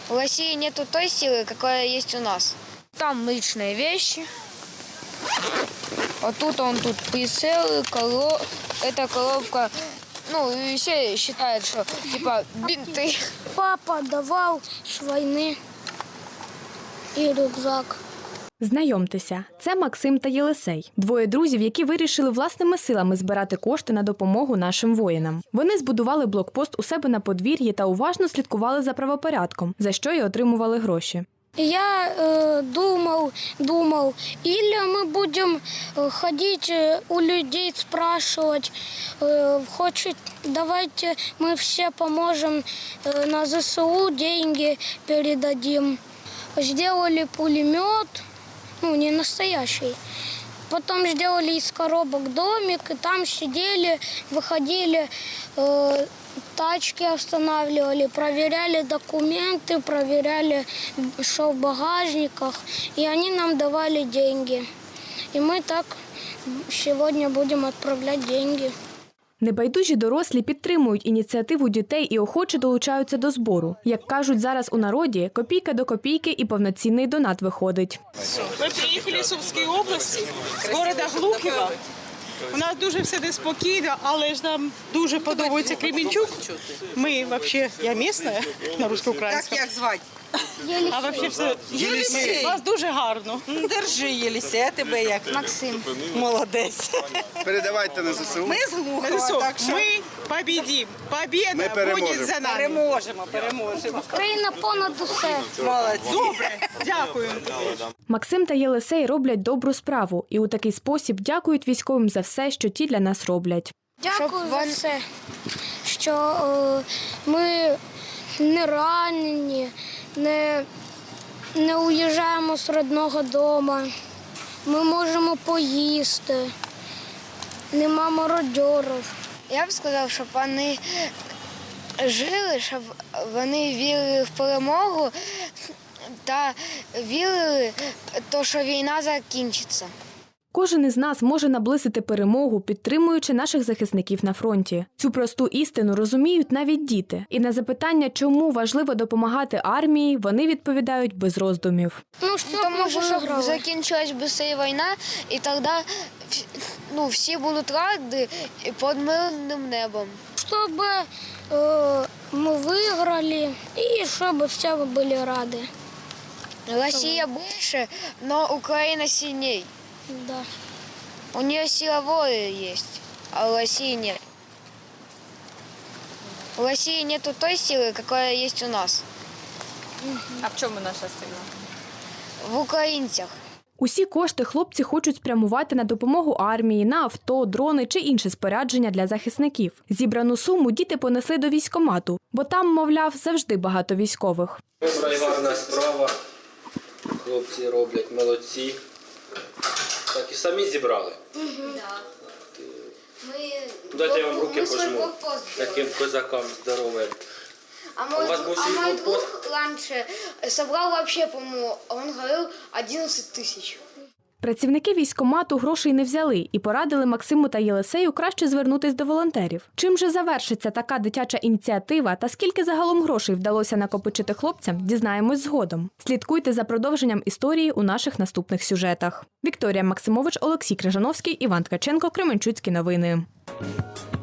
В России нету той силы, какая есть у нас. Там личные вещи. А тут прицелы, эта коробка. Ну, и все считают, что типа бинты. Папа давал с войны и рюкзак. Знайомтеся, це Максим та Єлисей. Двоє друзів, які вирішили власними силами збирати кошти на допомогу нашим воїнам. Вони збудували блокпост у себе на подвір'ї та уважно слідкували за правопорядком, за що й отримували гроші. Я думал, или мы будем ходить у людей, спрашивать, давайте мы все поможем на ЗСУ, деньги передадим. Сделали пулемет, не настоящий. Потом сделали из коробок домик, и там сидели, выходили, тачки останавливали, проверяли документы, проверяли, что в багажниках, и они нам давали деньги. И мы так сегодня будем отправлять деньги. Небайдужі дорослі підтримують ініціативу дітей і охоче долучаються до збору. Як кажуть зараз у народі, копійка до копійки і повноцінний донат виходить. Ми приїхали з Сумської області, з міста Глухова. У нас дуже все неспокійно, але ж нам дуже подобається Кременчук. Ми, взагалі, я місцева на русско-українському. Як звати? А взагалі все, Єлисей. у вас дуже гарно. Держи, Єлисей, а тебе як? Максим. Молодець. Передавайте на ЗСУ. Ми з Глухова, так що Ми побідім. Побіда буде за нами. переможемо. Україна понад усе. Молодці. Добре, дякую. Максим та Єлисей роблять добру справу і у такий спосіб дякують військовим за все, що ті для нас роблять. Дякую за все, що ми не ранені, не уїжджаємо з рідного дому. Ми можемо поїсти, нема мародьорів. Я б сказав, щоб вони жили, щоб вони вірили в перемогу та вірили, що війна закінчиться. Кожен із нас може наблизити перемогу, підтримуючи наших захисників на фронті. Цю просту істину розуміють навіть діти. І на запитання, чому важливо допомагати армії, вони відповідають без роздумів. Тому що щоб закінчилась швидше війна, і тоді всі будуть раді під мирним небом. Щоб ми виграли і щоб всі були раді. Росія більше, але Україна сильніше. Да. У нее сила воли есть, а у России нет. У России нету той силы, какая есть у нас. А в чому наша сила? В українцях. Усі кошти хлопці хочуть спрямувати на допомогу армії, на авто, дрони чи інше спорядження для захисників. Зібрану суму діти понесли до військкомату, бо там, мовляв, завжди багато військових. Добра і гарна справа. Хлопці роблять, молодці. Так і самі зібрали. Дайте я вам руки пожму. Таким козакам здоровим. А мой друг раньше собрал вообще, по-моему, он говорил 11 тысяч. Працівники військкомату грошей не взяли і порадили Максиму та Єлисею краще звернутись до волонтерів. Чим же завершиться така дитяча ініціатива та скільки загалом грошей вдалося накопичити хлопцям, дізнаємось згодом. Слідкуйте за продовженням історії у наших наступних сюжетах. Вікторія Максимович, Олексій Крижановський, Іван Ткаченко, Кременчуцькі новини.